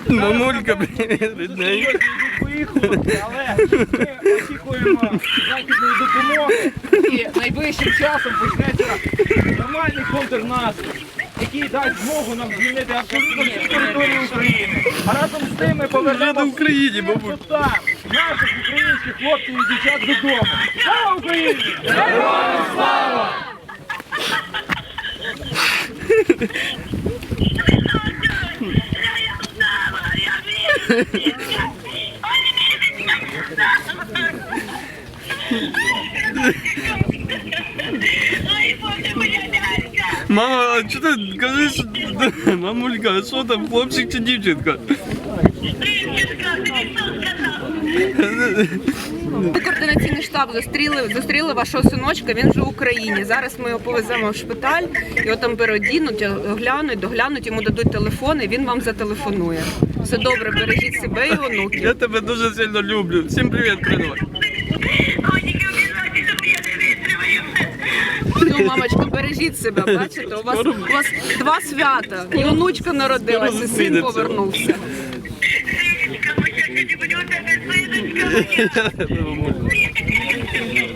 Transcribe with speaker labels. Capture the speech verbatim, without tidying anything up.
Speaker 1: Мамулька, привіт, рідненька.
Speaker 2: Поїхали, але ми очікуємо західної допомоги і найближчим часом почнеться нормальний контрнаступ, який дасть змогу нам звільнити абсолютно всю територію України. А разом з тим ми повернемо
Speaker 1: в Україні,
Speaker 2: всіх
Speaker 1: бабуль.
Speaker 2: тут наших українських хлопців і дівчат додому. Слава Україні! Героям слава!
Speaker 1: Мама, а що ти кажеш? Мамулька, а що там, хлопчик чи дівчинка?
Speaker 3: Координаційний штаб зустріли, зустріли вашого синочка, він вже в Україні. Зараз ми його повеземо в шпиталь, його там переодінуть, оглянуть, доглянуть, йому дадуть телефон і він вам зателефонує. Все добре, бережіть себе і онуків.
Speaker 1: Я тебе дуже сильно люблю. Всім привіт, передавай.
Speaker 3: Ну, мамочка, бережіть себе, бачите, у вас, у вас два свята. І онучка народилася, і син повернувся.
Speaker 1: Я тебе люблю.